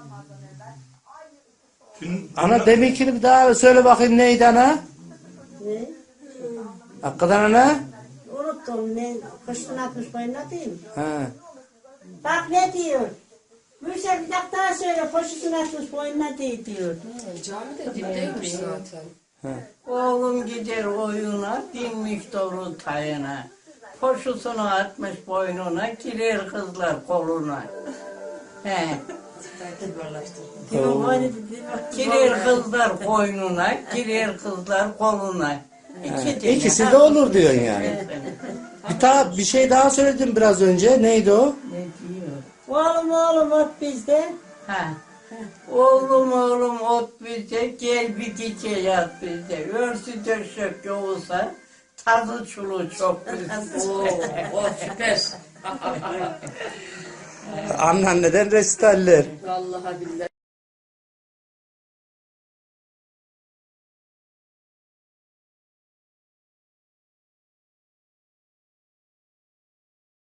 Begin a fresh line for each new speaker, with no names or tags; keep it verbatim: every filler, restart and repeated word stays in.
Ana deminkini bir daha söyle bakayım neydi ana?
Ne?
Hakikaten ana?
Unuttum ne? Kışın atmış boyuna değil mi?
He.
Bak ne diyor? Gülşen bir dakika daha söyle. Koşusunu atmış boyuna değil diyor.
Cami de dipteymiş zaten.
Oğlum gider oyuna, dinmiş doğru tayına. Poşusunu atmış boynuna, girer kızlar koluna. He.
Diyor boynu
Girer kızlar koynuna, girer kızlar koluna. İki tane.
İkisi de olur diyorsun yani. Bir, ta, bir şey daha söyledim biraz önce. Neydi o?
Ne diyor?
Oğlum oğlum ot bizde.
Ha. Oğlum oğlum ot bizde, gel bir gece yat bizde. Örsü döşek yoğusa, tadı çulu çok bizde.
Oo, oh süper.
Anneanneden resitaller.
Vallahi billahi.